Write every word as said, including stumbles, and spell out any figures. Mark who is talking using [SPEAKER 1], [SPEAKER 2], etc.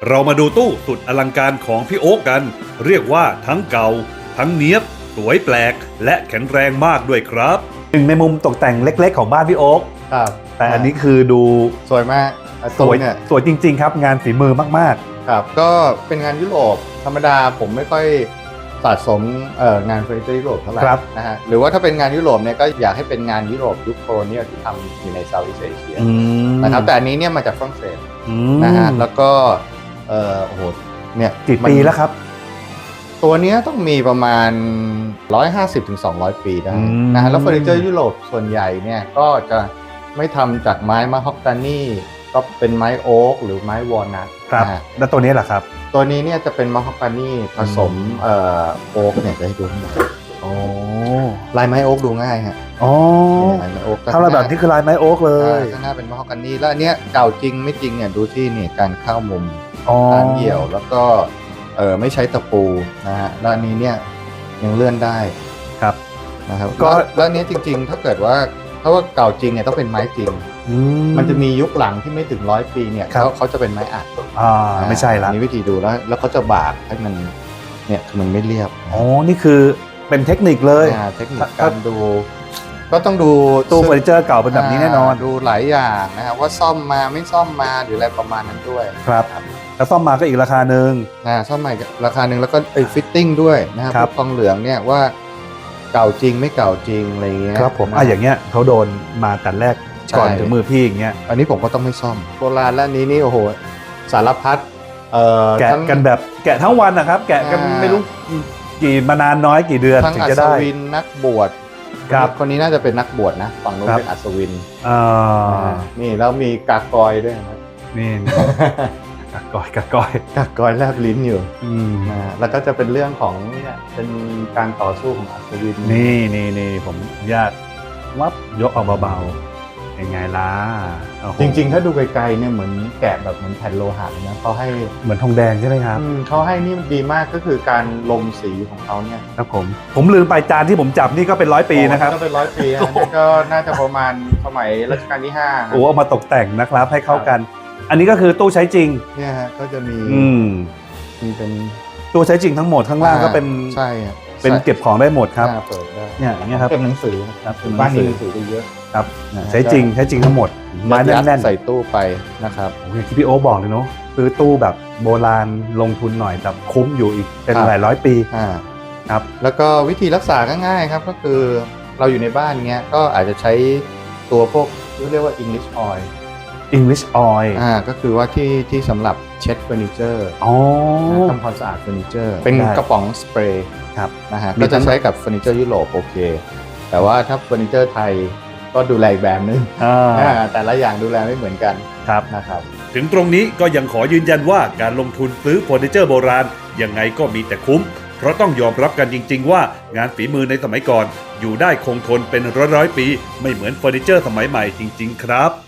[SPEAKER 1] เรามาดูตู้สุดอลังการของพี่โอ๊คกันเรียกว่าทั้งเก่าทั้งเนี้ยบสวยแปลกและแข็งแรงมากด้วยครับ
[SPEAKER 2] หนึ่งในมุมตกแต่งเล็กๆของบ้านพี่โอ๊ค
[SPEAKER 3] ครับ
[SPEAKER 2] แต่อันนี้คือดู
[SPEAKER 3] สวยมาก
[SPEAKER 2] สวยเนี่ยสวยจริงๆครับงานฝีมือมาก
[SPEAKER 3] ๆครับก็เป็นงานยุโรปธรรมดาผมไม่ค่อยสะสมเอ่องานเฟอร์นิเจอร์ยุโรปเท่าไหร่นะฮะหรือว่าถ้าเป็นงานยุโรปเนี่ยก็อยากให้เป็นงานยุโรปยุคโคโลเนียลที่ทำอยู่ในเซาท์อีสต์เอเชียนะครับแต่อันนี้เนี่ยมาจากฝรั่งเศสนะฮะแล้วก็เอ่อโอ้โหเนี่ย
[SPEAKER 2] กี่ปีแล้วครับ
[SPEAKER 3] ตัวนี้ต้องมีประมาณหนึ่งร้อยห้าสิบถึงสองร้อยปีได้นะฮะแล้วเฟอร์นิเจอร์ยุโรปส่วนใหญ่เนี่ยก็จะไม่ทำจากไม้มะฮอกกานีก็เป็นไม้โอ๊กหรือไม้วอลนัท
[SPEAKER 2] ครับแล้วตัวนี้แหละครับ
[SPEAKER 3] ตัวนี้เนี่ยจะเป็นมะฮอกกานีผสมเอ่อโอ๊กเนี่ยจะให้ดูโอ้ลายไม้โอ๊กดูง่ายฮะ
[SPEAKER 2] อ๋อ
[SPEAKER 3] ลายไม้โอ๊ก
[SPEAKER 2] ถ้าเราแบบนี้คือลายไม้โอ๊กเลย
[SPEAKER 3] ข้างหน้าเป็นมะฮอกกานีแล้วอันเนี้ยเก่าจริงไม่จริงเนี่ยดูที่นี่การเข้ามุมการเหี่ยวแล้วก็เออไม่ใช้ตะปูนะฮะแล้วอันนี้เนี่ยยังเลื่อนได้
[SPEAKER 2] ครับ
[SPEAKER 3] นะครับก็แล้วนี้จริงๆถ้าเกิดว่าถ้าว่าเก่าจริงเนี่ยต้องเป็นไม้จริงมันจะมียุคหลังที่ไม่ถึงร้อยปีเนี่ยเขาเขาจะเป็นไม้อัด
[SPEAKER 2] อ่าไม่ใช่ละ
[SPEAKER 3] มีวิธีดูแล้วแล้วเขาจะบากให้มันเนี่ยคือมันไม่เรียบ
[SPEAKER 2] อ๋อนี่คือเป็นเทคนิคเลย
[SPEAKER 3] เทคนิคการดูก็ต้องดู
[SPEAKER 2] ตู้เฟอร์นิเจอร์เก่าเป็นแบบนี้แน่นอน
[SPEAKER 3] ดูหลายอย่างนะครับว่าซ่อมมาไม่ซ่อมมาหรืออะไรประมาณนั้นด้วย
[SPEAKER 2] ครับแล้วซ่อมมาก็อีกราคาหนึ่ง
[SPEAKER 3] นะซ่อมใหม่ราคาหนึ่งแล้วก็ไปฟิตติ้งด้วยนะครับทองเหลืองเนี่ยว่าเก่าจริงไม่เก่าจริงอะไรเงี้ย
[SPEAKER 2] ครับผมอ่ะอย่างเงี้ยเขาโดนมาแต่แรกก่อนถึงมือพี่อย่างเงี้ย
[SPEAKER 3] อันนี้ผมก็ต้องไม่ซ่อมโบราณและนี้นี่โอ้โหสารพัด
[SPEAKER 2] แกะกันแบบแกะทั้งวันนะครับแกะกันไม่รู้กี่มานานน้อยกี่เดือนถึงจะได้
[SPEAKER 3] ทั้งอัศวินนักบวชครับคนนี้น่าจะเป็นนักบวชนะฝั่งนู้นเป็นอัศวินนี่แล้วมีกากอยด้วยนะ
[SPEAKER 2] นี่กากอยกากอย
[SPEAKER 3] กากอยแลบลิ้นอยู่นะแล้วก็จะเป็นเรื่องของเนี่ยเป็นการต่อสู้ของอัศวิน
[SPEAKER 2] นี่นี่นี่ผมญาติวับยกออกเบาๆยังไงล่ะ
[SPEAKER 3] จริงๆถ้าดูไกลๆเนี่ยเหมือนแกะแบบเหมือนแผ่นโลหะนะเขาให้
[SPEAKER 2] เหมือนทองแดงใช่ไหมครับ
[SPEAKER 3] เขาให้นี่ดีมากก็คือการลงสีของเขาเนี่ย
[SPEAKER 2] ครับผมผมลืมไปจานที่ผมจับนี่ก็เป็นร้อยปีนะครับ
[SPEAKER 3] ก็เป็นร้อยปีนี่ก็น่าจะประมาณสมัยรัชกาลที่ห้า
[SPEAKER 2] โอ้เอามาตกแต่งนะครับให้เข้ากันอันนี้ก็คือตู้ใช้จริง
[SPEAKER 3] เนี่ยฮะก็จะมีมีเป็น
[SPEAKER 2] ตู้ใช้จริงทั้งหมดข้างล่างก็เป็น
[SPEAKER 3] ใช่
[SPEAKER 2] เป็นเก็บของได้หมดครับ
[SPEAKER 3] เปิดได้
[SPEAKER 2] เนี่ยอย่างเงี้ยครับ
[SPEAKER 3] เก็บหนังสือครับบ้านมีหนังสือเยอะ
[SPEAKER 2] ครับใช้จริงใช้จริงทั้งหมด
[SPEAKER 3] ไม้แน่นๆใส่ตู้ไปนะครับ
[SPEAKER 2] อย่างที่พี่โอ๊คบอกเลยเนาะซื้อตู้แบบโบราณลงทุนหน่อยแต่คุ้มอยู่อีกเป็นหลายร้อยปีครับ
[SPEAKER 3] แล้วก็วิธีรักษาก็ง่ายครับก็คือเราอยู่ในบ้านเงี้ยก็อาจจะใช้ตัวพวกเรียกว่า English oil
[SPEAKER 2] English oil
[SPEAKER 3] อ่าก็คือว่าที่ที่สำหรับเช็ดเฟอร์นิเจอร์
[SPEAKER 2] อ๋อ
[SPEAKER 3] ทำความสะอาดเฟอร์นิเจอร์เป็นกระป๋องสเปรย์
[SPEAKER 2] ครับ
[SPEAKER 3] นะฮะก็จะใช้กับเฟอร์นิเจอร์ยุโรปโอเคแต่ว่าถ้าเฟอร์นิเจอร์ไทยก็ดูแลอีกแบบนึงแต่ละอย่างดูแลไม่เหมือนกัน
[SPEAKER 2] ครับ
[SPEAKER 3] นะครับ
[SPEAKER 1] ถึงตรงนี้ก็ยังขอยืนยันว่าการลงทุนซื้อเฟอร์นิเจอร์โบราณยังไงก็มีแต่คุ้มเพราะต้องยอมรับกันจริงๆว่างานฝีมือในสมัยก่อนอยู่ได้คงทนเป็นร้อยๆปีไม่เหมือนเฟอร์นิเจอร์สมัยใหม่จริงๆครับ